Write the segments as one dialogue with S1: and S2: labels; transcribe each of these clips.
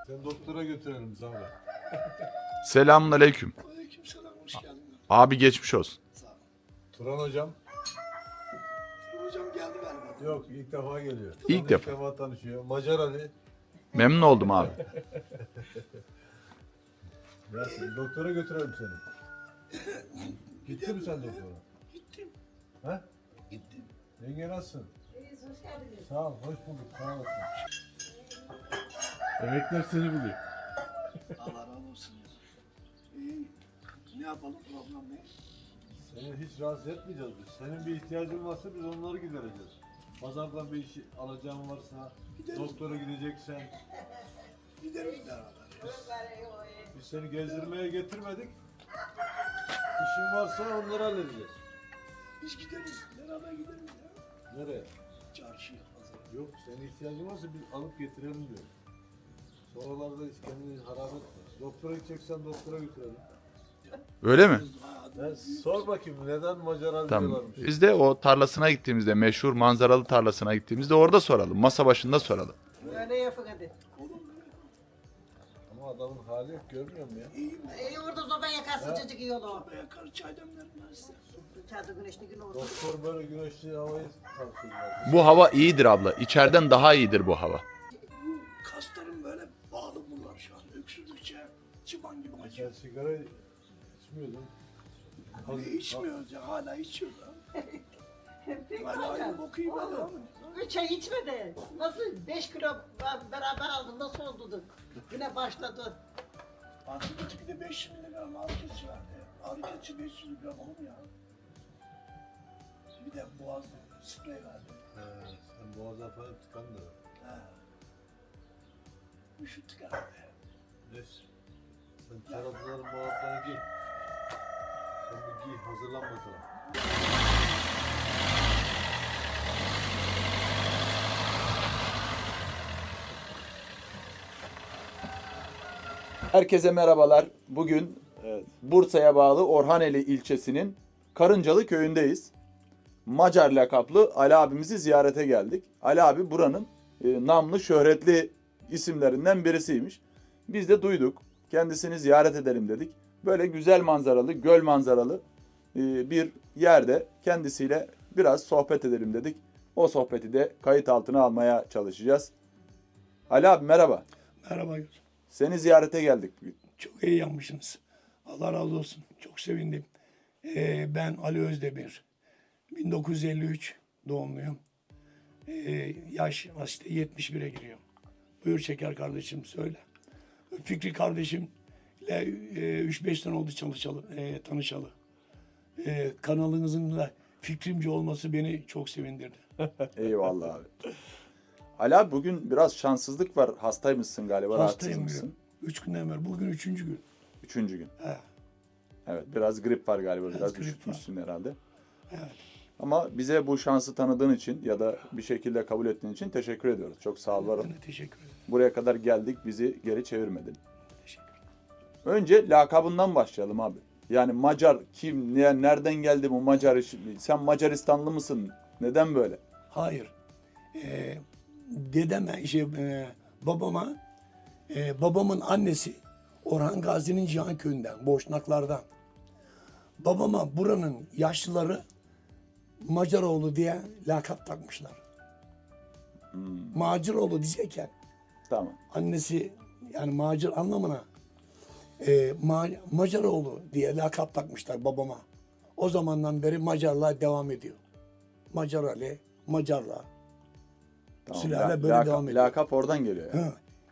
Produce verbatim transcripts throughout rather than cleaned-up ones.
S1: Sen doktora götürelim Zahra.
S2: Selamünaleyküm.
S3: Aleykümselam, hoş geldin.
S2: Abi geçmiş olsun.
S3: Sağ ol.
S1: Turan hocam.
S3: Hocam geldi galiba.
S1: Yok, ilk defa geliyor.
S2: İlk
S1: Turan
S2: defa.
S1: İlk defa tanışıyor. Macar Ali.
S2: Memnun oldum abi.
S1: Nasılsın? Doktora götürelim seni. Gittin mi sen doktora?
S3: Gittim.
S1: Ha?
S3: Gittim.
S1: Yenge nasılsın?
S4: İyiyiz, hoş geldiniz.
S1: Sağ ol, hoş bulduk. Sağ olasın. Emekler seni buluyor.
S3: Allah razı olsun. İyi. Ne yapalım, problem ne?
S1: Seni hiç rahatsız etmeyeceğiz biz. Senin bir ihtiyacın varsa biz onları gidereceğiz. Pazardan bir iş alacağın varsa,
S3: Gideriz.
S1: doktora gideceksen,
S3: Gideriz beraber.
S1: biz seni gezdirmeye getirmedik. İşin varsa onları halledeceğiz.
S3: Biz gideriz. Beraber gideriz ya.
S1: Nereye?
S3: Çarşıya, pazara.
S1: Yok, senin ihtiyacın varsa biz alıp getirelim diyor. Sonralarda hiç kendini harap etme. Doktora gideceksen doktora götürelim.
S2: Öyle mi?
S1: Ben sor bakayım neden Macar Ali
S2: Tamam.
S1: diyorlarmış.
S2: Biz de o tarlasına gittiğimizde, meşhur manzaralı tarlasına gittiğimizde orada soralım. Masa başında soralım.
S4: Öyle yapın hadi.
S1: Ama adamın hali yok, görmüyor musun ya?
S4: İyi orada zoba yakar sıcacık iyi olur.
S3: Buraya karı çay demlerim ben size.
S4: İçeride güneşli gün olsun.
S1: Doktor böyle güneşli havayı tavsiyor.
S2: Bu hava iyidir abla. İçeriden daha iyidir bu hava.
S3: Bu kaslarım böyle bağlı bunlar şu an. Öksürdükçe çıban gibi
S1: Sen
S3: acıyor.
S1: sigara içmiyordun.
S3: Hani içmiyoruz ya, hala içiyoruz ha. Hala aynı boku iyi ben devam ediyoruz.
S4: Üç ay içmedi. Nasıl beş kilo ben beraber aldım nasıl olduk? Yine başladı.
S3: Antibiyotik de beş yüz miligram ağrı kesici verdi. Ağrı kesici beş yüz miligram olur mu ya? Bir de boğaz sprey verdi.
S1: He, sen boğazdan falan tıkandın.
S3: Ha. Üşüttük herhalde.
S1: Neyse. Sen tarafların muhabbetini giy. Sen bir giy, hazırlan bakalım.
S2: Herkese merhabalar. Bugün
S1: Evet.
S2: Bursa'ya bağlı Orhaneli ilçesinin Karıncalı köyündeyiz. Macar lakaplı Ali abimizi ziyarete geldik. Ali abi buranın e, namlı şöhretli isimlerinden birisiymiş. Biz de duyduk. Kendisini ziyaret edelim dedik. Böyle güzel manzaralı, göl manzaralı e, bir yerde kendisiyle biraz sohbet edelim dedik. O sohbeti de kayıt altına almaya çalışacağız. Ali abi merhaba.
S3: Merhaba.
S2: Seni ziyarete geldik bugün.
S3: Çok iyi yapmışsınız. Allah razı olsun. Çok sevindim. Ee, ben Ali Özdemir. bin dokuz yüz elli üç doğumluyum. Ee, yaş işte yetmiş bire giriyor. Buyur Şeker kardeşim söyle. Fikri kardeşimle e, üç beş sene oldu çalışalı, e, tanışalı. E, kanalınızın da fikrimci olması beni çok sevindirdi.
S2: Eyvallah abi. Ali abi bugün biraz şanssızlık var. Hastaymışsın galiba.
S3: Hastayım
S2: rahatsızmışsın.
S3: bugün. Üç günden beri. Bugün üçüncü gün.
S2: Üçüncü gün.
S3: He.
S2: Evet biraz grip var galiba. Biraz,
S3: Biraz grip
S2: üşütmüşsün herhalde.
S3: Evet.
S2: Ama bize bu şansı tanıdığın için ya da bir şekilde kabul ettiğin için teşekkür ediyoruz. Çok sağ ol varım.
S3: Ben de teşekkür ederim.
S2: Buraya kadar geldik, bizi geri çevirmedin.
S3: Teşekkür ederim.
S2: Önce lakabından başlayalım abi. Yani Macar kim, ne, nereden geldi bu Macar işi? Sen Macaristanlı mısın? Neden böyle?
S3: Hayır. Ee, dedeme, şey, e, babama, e, babamın annesi Orhan Gazi'nin Cihanköy'ünden, Boşnaklardan. Babama buranın yaşlıları Macaroğlu diye lakap takmışlar.
S2: Hmm,
S3: Maciroğlu diyecekken
S2: tamam.
S3: annesi yani macir anlamına e, ma, Macaroğlu diye lakap takmışlar babama. O zamandan beri Macarlığa devam ediyor. Macar Ali, Macarla.
S2: Tamam.
S3: Sülale
S2: La-
S3: böyle
S2: laka-
S3: devam ediyor.
S2: Lakap oradan geliyor. Yani.
S3: Ha.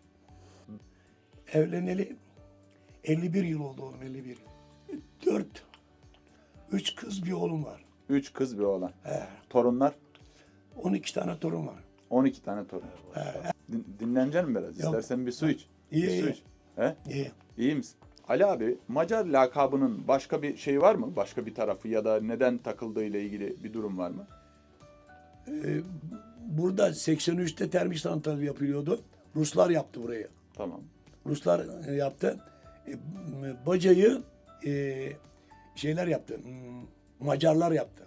S3: Evleneli elli bir yıl oldu oğlum, elli bir. Dört, üç kız bir oğlum var.
S2: Üç kız bir oğlan.
S3: He.
S2: Torunlar?
S3: on iki tane torun var.
S2: on iki tane torun. Din, dinleneceksin mi biraz?
S3: Yok.
S2: İstersen bir su iç.
S3: İyi,
S2: bir su
S3: iyi.
S2: iç. He?
S3: İyi.
S2: İyi misin? Ali abi, Macar lakabının başka bir şey var mı? Başka bir tarafı ya da neden takıldığı ile ilgili bir durum var mı?
S3: Ee, burada seksen üçte termik santral yapılıyordu. Ruslar yaptı burayı.
S2: Tamam.
S3: Ruslar e, yaptı. E, m- bacayı e, şeyler yaptı. m, Macarlar yaptı.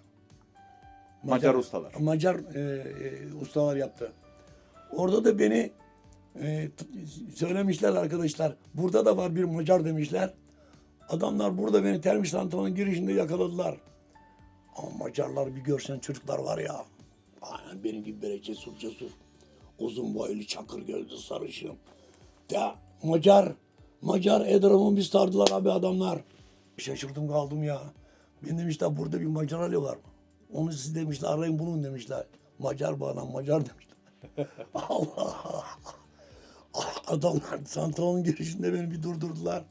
S2: Macar ustalar.
S3: Macar e, e, ustalar yaptı. Orada da beni e, t- söylemişler arkadaşlar. Burada da var bir Macar demişler. Adamlar burada beni termik santralın girişinde yakaladılar. Ama Macarlar bir görsen çocuklar var ya. Aynen benim gibi böyle cesur cesur. Uzun boylu, çakır gözlü, sarışın. Ya Macar, Macar Edraf'ı bir sardılar abi adamlar. Şaşırdım kaldım ya. Ben demişler burada bir Macar alıyorlar mı? Onu siz demişler arayın bulun demişler. Macar bu adam Macar demişler. Allah. Adamlar santralın girişinde beni bir durdurdular.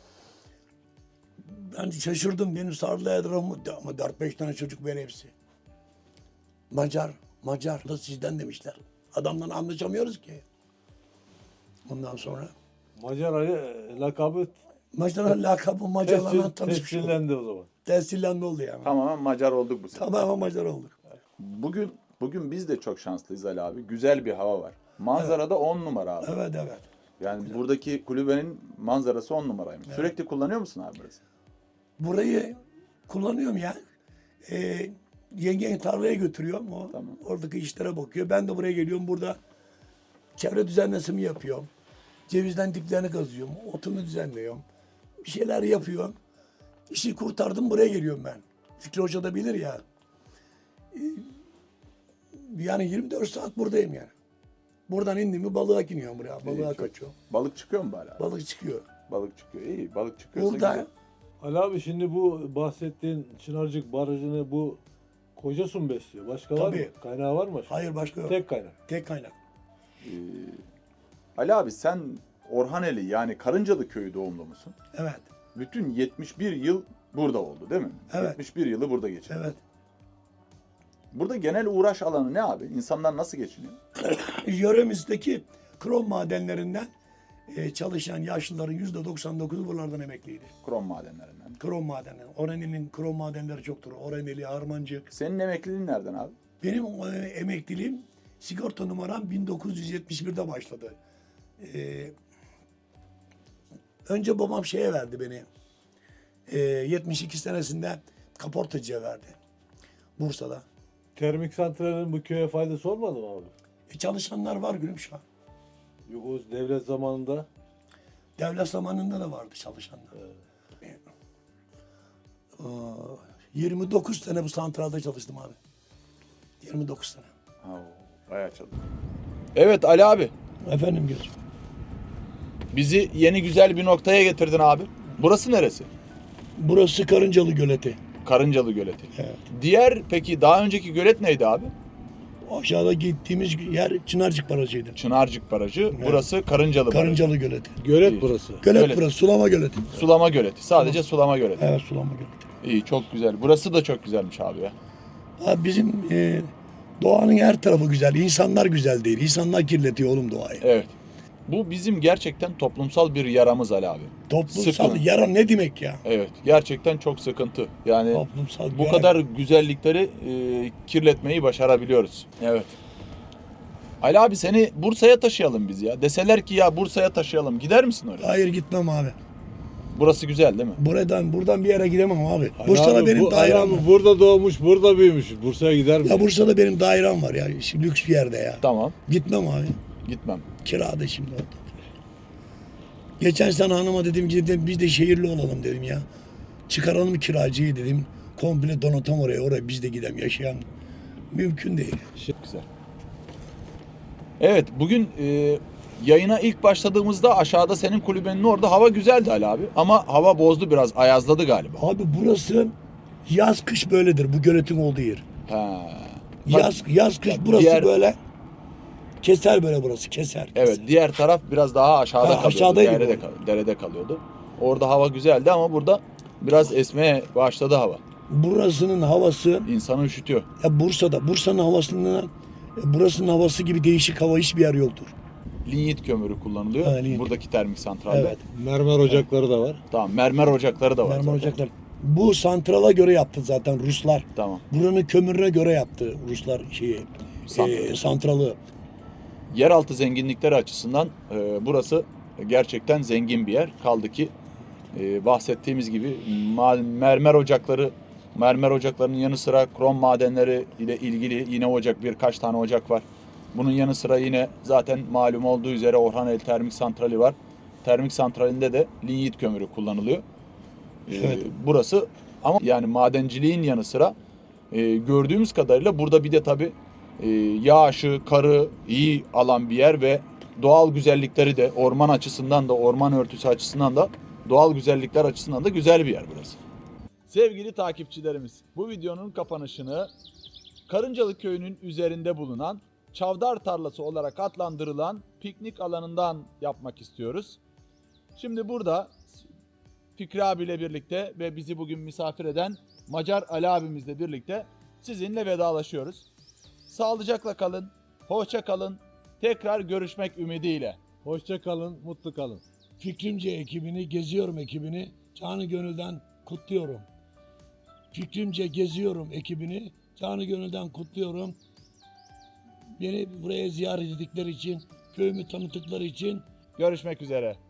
S3: Ben şaşırdım. Benim sardılar Edraf'ımı. Ama dört beş tane çocuk böyle hepsi. Macar, Macar da sizden demişler. Adamla anlaşamıyoruz ki. Ondan sonra
S1: Macar Ali e, lakabı
S3: Macar'ın lakabı Macarlarla
S1: tescil,
S3: tanışmış olduk.
S1: tescillendi o zaman.
S3: Tescillendi oldu yani.
S2: Tamamen Macar olduk bu sefer.
S3: Tamamen Macar olduk.
S2: Bugün bugün biz de çok şanslıyız Ali abi. Güzel bir hava var. Manzara da on numara abi.
S3: Evet evet.
S2: Yani buradaki kulübenin manzarası on numaraymış. Sürekli kullanıyor musun abi burası?
S3: Burayı kullanıyorum ya. Ee, yengeyi tarlaya götürüyorum. O
S2: Tamam.
S3: oradaki işlere bakıyor. Ben de buraya geliyorum. Burada çevre düzenlemesini yapıyorum. Cevizden diplerini kazıyorum. Otunu düzenliyorum. Bir şeyler yapıyorum. İşi kurtardım buraya geliyorum ben. Fikri Hoca da bilir ya. Ee, Yani yirmi dört saat buradayım yani. Buradan indim mi balığa iniyorum buraya. Balığa
S2: çok-
S3: kaçıyorum.
S2: Balık çıkıyor mu bari abi?
S3: Balık çıkıyor.
S2: Balık çıkıyor. İyi. Balık çıkıyorsa
S3: Burada
S2: güzel.
S1: Ali abi şimdi bu bahsettiğin Çınarcık Barajı'nı bu Kocasu mu besliyor? Başka var mı?
S3: Tabii.
S1: Kaynağı var mı?
S3: hayır başka yok.
S1: Tek kaynak.
S3: Tek kaynak.
S2: Ee, Ali abi sen Orhaneli yani Karıncalı köyü doğumlu musun?
S3: Evet.
S2: Bütün yetmiş bir yıl burada oldu değil mi?
S3: Evet.
S2: yetmiş bir yılı burada geçirdi.
S3: Evet.
S2: Burada genel uğraş alanı ne abi? İnsanlar nasıl geçiniyor?
S3: Yöremizdeki krom madenlerinden e, çalışan yaşlıların yüzde doksan dokuzu buralardan emekliydi.
S2: Krom madenlerinden.
S3: Krom madenleri. Oraneli'nin krom madenleri çoktur. Oraneli, Harmancık.
S2: Senin emekliliğin nereden abi?
S3: Benim e, emekliliğim sigorta numaram bin dokuz yüz yetmiş birde başladı. E, önce babam şeye verdi beni. E, yetmiş iki senesinde kaportacıya verdi. Bursa'da.
S1: Termik santralin bu köye faydası olmadı mı abi?
S3: E, çalışanlar var gülüm şu an.
S1: Yok o devlet zamanında.
S3: Devlet zamanında da vardı çalışanlar. Ee, yirmi dokuz sene bu santralda çalıştım abi. yirmi dokuz sene.
S2: Ha, bayağı çalışıyor. Evet Ali abi.
S3: Efendim gözüm.
S2: Bizi yeni güzel bir noktaya getirdin abi. Burası neresi?
S3: Burası Karıncalı Göleti.
S2: Karıncalı Göleti.
S3: Evet.
S2: Diğer peki daha önceki gölet neydi abi?
S3: Aşağıda gittiğimiz yer Çınarcık Barajı'ydı.
S2: Çınarcık Barajı. Burası Karıncalı Barajı.
S3: Karıncalı Göleti.
S1: Gölet
S2: İyi.
S1: burası.
S3: Gölet
S2: Gölet.
S3: burası, sulama göleti.
S2: Sulama Göleti. Sadece sulama göleti.
S3: Evet, sulama göleti.
S2: İyi, çok güzel. Burası da çok güzelmiş abi ya.
S3: Abi bizim e, doğanın her tarafı güzel. İnsanlar güzel değil. İnsanlar kirletiyor oğlum doğayı.
S2: Evet. Bu bizim gerçekten toplumsal bir yaramız Ali abi.
S3: Toplumsal
S2: Sıkıntı.
S3: yara ne demek ya?
S2: Evet. Gerçekten çok sıkıntı. Yani
S3: Toplumsal
S2: bu
S3: yara.
S2: kadar güzellikleri e, kirletmeyi başarabiliyoruz. Evet. Ali abi seni Bursa'ya taşıyalım biz ya. Deseler ki ya Bursa'ya taşıyalım. Gider misin oraya?
S3: Hayır gitmem abi.
S2: Burası güzel değil mi?
S3: Buradan buradan bir yere gidemem abi.
S1: Ali
S3: Bursa'da
S1: abi,
S3: benim
S1: bu, Ali
S3: dairem
S1: abi
S3: var.
S1: burada doğmuş, burada büyümüş. Bursa'ya gider mi?
S3: Ya Bursa'da benim dairem var ya. Şimdi lüks bir yerde ya.
S2: Tamam.
S3: Gitmem abi.
S2: Gitmem.
S3: Kirada şimdi orada. Geçen sene hanıma dedim ki dedim, biz de şehirli olalım dedim ya. Çıkaralım kiracıyı dedim. Komple donatam oraya. Oraya biz de gidelim yaşayan. Mümkün değil.
S2: Güzel. Evet bugün e, yayına ilk başladığımızda aşağıda senin kulübenin orada hava güzeldi Ali abi. Ama hava bozdu biraz. Ayazladı galiba.
S3: Abi burası yaz kış böyledir. Bu göletin olduğu yer.
S2: Ha. Bak,
S3: Yaz yaz kış burası
S2: diğer-
S3: böyle. Keser böyle burası. Keser.
S2: Evet
S3: keser.
S2: diğer taraf biraz daha aşağıda
S3: Ha,
S2: kalıyordu.
S3: aşağıdaydı
S2: Derede,
S3: bu.
S2: kal- derede kalıyordu. Orada hava güzeldi ama burada biraz esmeye başladı hava.
S3: Burasının havası
S2: İnsanı üşütüyor.
S3: ya Bursa'da. Bursa'nın havasından e, burasının havası gibi değişik hava hiçbir yer yoktur.
S2: Linyit kömürü kullanılıyor.
S3: Ha, linyit.
S2: Buradaki termik santralde.
S3: Evet.
S1: Mermer ocakları da var.
S2: Tamam mermer ocakları da var
S3: Mermer
S2: zaten.
S3: ocaklar. Bu santrala göre yaptı zaten Ruslar.
S2: Tamam.
S3: Buranın kömürüne göre yaptı Ruslar şeyi.
S2: Santralı.
S3: e, santralı.
S2: Yeraltı zenginlikleri açısından e, burası gerçekten zengin bir yer. Kaldı ki e, bahsettiğimiz gibi ma- mermer ocakları, mermer ocaklarının yanı sıra krom madenleri ile ilgili yine ocak birkaç tane ocak var. Bunun yanı sıra yine zaten malum olduğu üzere Orhaneli Termik Santrali var. Termik santralinde de linyit kömürü kullanılıyor. Ee,
S3: Evet.
S2: Burası ama yani madenciliğin yanı sıra e, gördüğümüz kadarıyla burada bir de tabii e, yağışı, karı iyi alan bir yer ve doğal güzellikleri de orman açısından da orman örtüsü açısından da doğal güzellikler açısından da güzel bir yer burası. Sevgili takipçilerimiz, bu videonun kapanışını Karıncalı Köyü'nün üzerinde bulunan Çavdar Tarlası olarak adlandırılan piknik alanından yapmak istiyoruz. Şimdi burada Fikri abiyle birlikte ve bizi bugün misafir eden Macar Ali abimizle birlikte sizinle vedalaşıyoruz. Sağlıcakla kalın, hoşça kalın, tekrar görüşmek ümidiyle.
S1: Hoşça kalın, mutlu kalın.
S3: Fikrimce ekibini, Geziyorum ekibini canı gönülden kutluyorum. Fikrimce Geziyorum ekibini canı gönülden kutluyorum. Beni buraya ziyaret ettikleri için, köyümü tanıttıkları için
S2: Görüşmek üzere.